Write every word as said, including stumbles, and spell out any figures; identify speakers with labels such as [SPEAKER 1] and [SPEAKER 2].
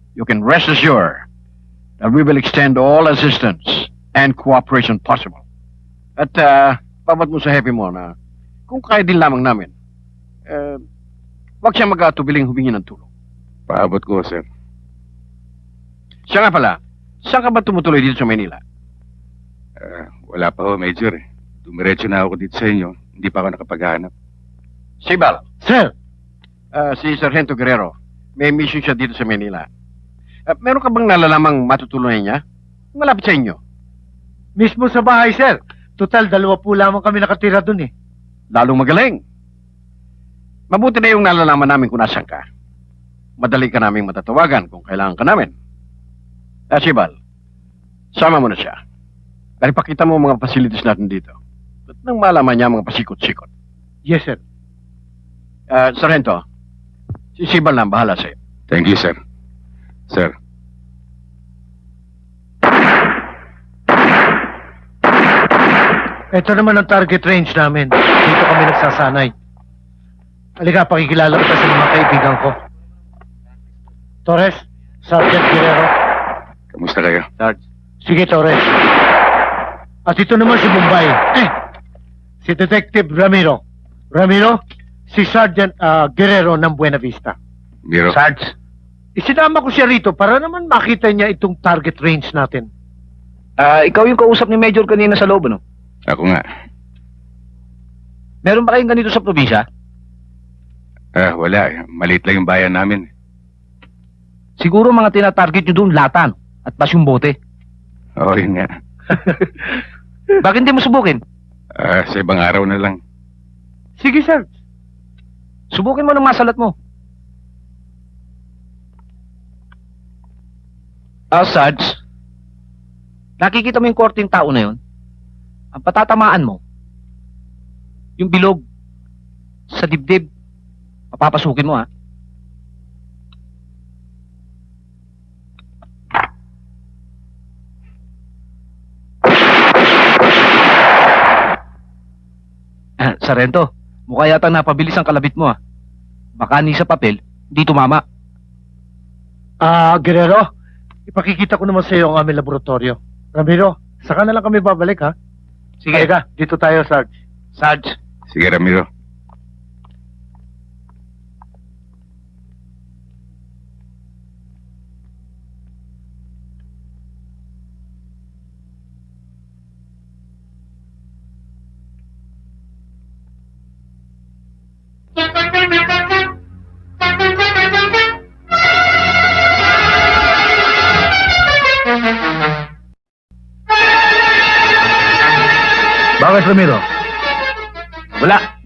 [SPEAKER 1] you can rest assured that we will extend all assistance and cooperation possible. At uh, pabat mo sa Happy mo na kung kaya din lamang namin, uh, wag siya mag-atubiling humingi ng tulong.
[SPEAKER 2] Paabot ko, sir.
[SPEAKER 1] Siya nga pala, saan ka ba tumutuloy dito sa Manila?
[SPEAKER 2] Uh, wala pa ho, Major. Eh. Dumiretso na ako dito sa inyo. Hindi pa ako nakapaghanap.
[SPEAKER 1] Sibal,
[SPEAKER 3] Sir,
[SPEAKER 1] uh, si Sargento Guerrero, may mission siya dito sa Manila. Uh, meron ka bang nalalamang matutulungan niya? Malapit sa inyo.
[SPEAKER 3] mismo sa bahay, sir. Total, dalawa po lamang kami nakatira dun eh.
[SPEAKER 1] Lalong magaling. Mabuti na yung nalalaman namin kung nasan ka. Madali ka naming matatawagan kung kailangan ka namin. Ah, Sibal, sama mo na siya. Dahil pakita mo ang mga facilities natin dito. At nang malaman niya ang mga pasikot-sikot.
[SPEAKER 3] Yes, sir.
[SPEAKER 1] Ah, Sargento, si Sibal na ang bahala sa'yo.
[SPEAKER 2] Thank you, sir. Sir.
[SPEAKER 3] Ito naman ang target range namin. Dito kami nagsasanay. Halika, pakikilala kita sa mga kaibigan ko. Torres, Sergeant Guerrero.
[SPEAKER 2] Kamusta kayo?
[SPEAKER 1] Sarge.
[SPEAKER 3] Sige, Torres. At ito naman si Bombay. Eh, si Detective Ramiro. Ramiro, si Sergeant ah, Guerrero ng Buena Vista.
[SPEAKER 2] Miro?
[SPEAKER 1] Sarge.
[SPEAKER 3] Isinama ko siya rito para naman makita niya itong target range natin.
[SPEAKER 4] Ah, ikaw yung kausap ni Major kanina sa loob, no?
[SPEAKER 2] Ako nga.
[SPEAKER 4] Meron ba kayong ganito sa probinsya?
[SPEAKER 2] Ah, wala. Eh. Maliit lang yung bayan namin.
[SPEAKER 4] Siguro mga tinatarget nyo doon latan at pas yung bote.
[SPEAKER 2] Oo, yun nga.
[SPEAKER 4] Bakit hindi mo subukin?
[SPEAKER 2] Ah, sa ibang araw na lang.
[SPEAKER 3] Sige, sir.
[SPEAKER 4] Subukin mo ng masalat mo. Ah, Sarge. Nakikita mo yung korting tao na yun? Ang patatamaan mo, yung bilog sa dibdib, papapasukin mo, ha? Ah, Sargento, mukha yata napabilis ang kalabit mo, ha? Baka ni sa papel, hindi tumama.
[SPEAKER 3] Ah, Guerrero, ipakikita ko naman sa iyo ang aming laboratorio. Ramiro, saka na lang kami babalik, ha?
[SPEAKER 4] Sige,
[SPEAKER 3] Halika, dito tayo, Sarge.
[SPEAKER 4] Sarge.
[SPEAKER 2] Sige, Ramiro.
[SPEAKER 4] Bakit, Ramiro? Wala.